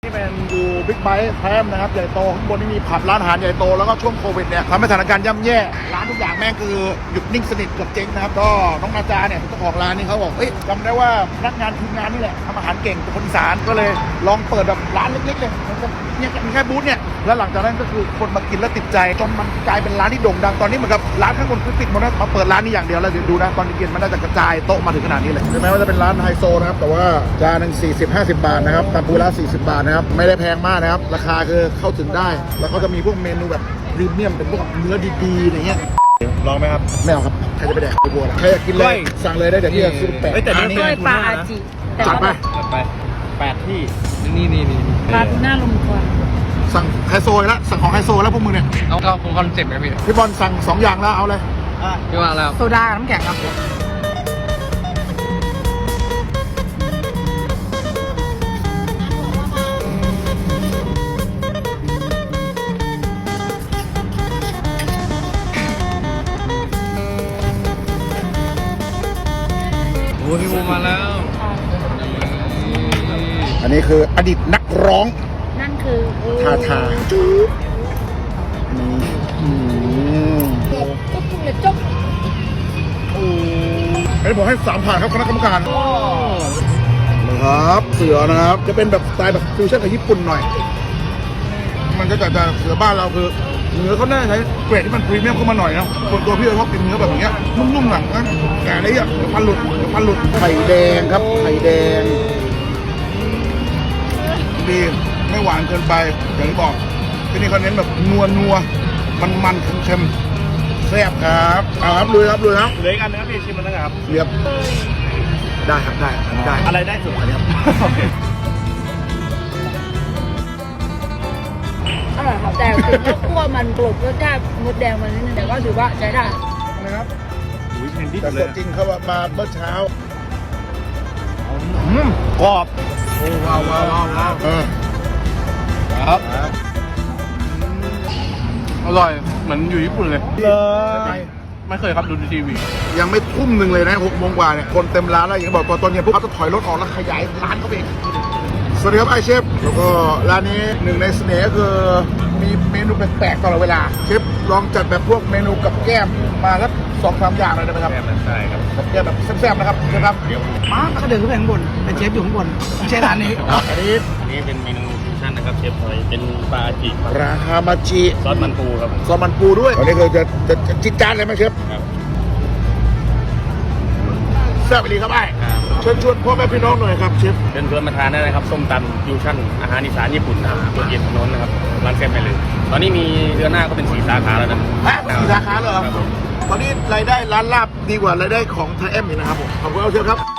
นี่เป็นดูบิ๊กไบค์แพมนะครับใหญ่โตข้างบนนี่มีผับร้านอาหารใหญ่โตแล้วก็ช่วงโควิดเนี่ยทำให้สถานการณ์ย่ำแย่ร้านทุกอย่างแม่งคือหยุดนิ่งสนิทเกือบเจ๊งนะครับก็น้องนาจาเนี่ยเจ้าของร้านนี่เขาบอกจำได้ว่าพนักงานทีมงานนี่แหละทำอาหารเก่งเป็นคนอีสานก็เลยลองเปิดแบบร้านเล็กๆเลยเนี่ยมีแค่บูธเนี่ยแล้วหลังจากนั้นก็คือคนมากินแล้วติดใจจนมันกลายเป็นร้านที่โด่งดังตอนนี้เหมือนกับร้านข้างบนคือปิดหมดแล้วมาเปิดร้านนี้อย่างเดียวแล้วเดี๋ยวดูนะตอนเย็นมันน่าจะกระจายโต๊ะมาถึงขนาดนี้เลยถึงแม้ว่าจะเป็นร้านไฮโซนะครับแต่ว่าจานหนึ่ง40-50 บาทนะครับตามปูละ40 บาทนะครับไม่ได้แพงมากนะครับราคาคือเข้าถึงได้แล้วก็จะมีพวกเมนูแบบพรีเมียมเป็นพวกเนื้อดีๆอย่างเงี้ยลองไหมครับไม่เอาครับใครจะไปแดกไปบัวใครอยากกินเลยสั่งเลยได้เดี๋ยวที่จะซื้อแปะแต่นี่กล้วยปลาอาจิจัดไป 8 ที่นี่ปลาทูน่าลมควันสั่งไฮโซแล้วสั่งของไฮโซแล้วพวกมึงเนี่ยเอาผมคอนเซ็ปต์นะพี่บอลสั่ง2 อย่างแล้วเอาเลยพี่ว่าแล้วโซดาน้ำแข็งครับโอ้พี่บูมาแล้วอันนี้คืออดีตนักร้องนั่นคือทาจุ๊บจุ๊บเลยจุ๊บอันนี้ผมให้3 ผ่านครับคณะกรรมการนะครับเสือนะครับจะเป็นแบบสไตล์แบบฟิวชั่นกับญี่ปุ่นหน่อยมันก็จะเสือบ้านเราคือเนื้อเขาน่าใช้เกรดที่มันพรีเมียมเข้ามาหน่อยนะส่วนตัวพี่ชอบกินเนื้อแบบอย่างเงี้ยนุ่มๆหนังนะแต่อันนี้อ่ะพันหลุดไข่แดงครับไข่แดงดีไม่หวานเกินไปอย่างที่บอกที่นี่เขาเน้นแบบนัวมันเค็มแซ่บครับเอาครับลุยครับเหลืออีกอันนึงครับพี่ชิมมันนะครับเรียบได้ครับได้อะไรได้สุดอันนี้ครับอร่อยครับแต่ถึงว่าคั่วมันกลบรสชาติมดแดงมันนิดนึงแต่ก็ถือว่าใช้ได้นะครับแต่สดจริงเขามาเมื่อเช้ากรอบโอ้ว้าวครับอร่อยเหมือนอยู่ญี่ปุ่นเลยไม่เคยครับดูในทีวียังไม่ทุ่มหนึ่งเลยนะ6 โมงกว่าเนี่ยคนเต็มร้านแล้วอย่างบอกตอนเย็นพวกเขาจะถอยรถออกแล้วขยายร้านเขาเองสวัสดีครับไอเชฟแล้วก็ร้านนี้หนึ่งในเสน่ห์ก็คือมีเมนูแปลกๆตลอดเวลาเชฟลองจัดแบบพวกเมนูกับแก้มมาสัก2-3 อย่างเลยได้ไหมครับใช่ครับกับแก้มแบบแซ่บๆนะครับใช่ครับมาก็เดินขึ้นไปข้างบนเป็นเชฟอยู่ข้างบนไม่ใช่ร้านนี้อันนี้เป็นเมนูฟิวชั่นนะครับเชฟพอยเป็นปลาจิราคามาจิซอสมันปูครับซอสมันปูด้วยอันนี้คือจะจิตจานเลยไหมเชฟครับแซ่บไปดีครับไอ้เชิญชวนพ่อแม่พี่น้องหน่อยครับเชฟเชิญมาทานได้นะครับส้มตำฟิวชั่นอาหารอีสานญี่ปุ่นตัวเย็นถนนนะครับร้านแซ่บไปเลยตอนนี้มีเดือนหน้าก็เป็น4 สาขาแล้วนะ 4 สาขาเลยเหรอตอนนี้รายได้ร้านลาบดีกว่ารายได้ของไทยแอมอีกนะครับผมขอบคุณเชฟครับ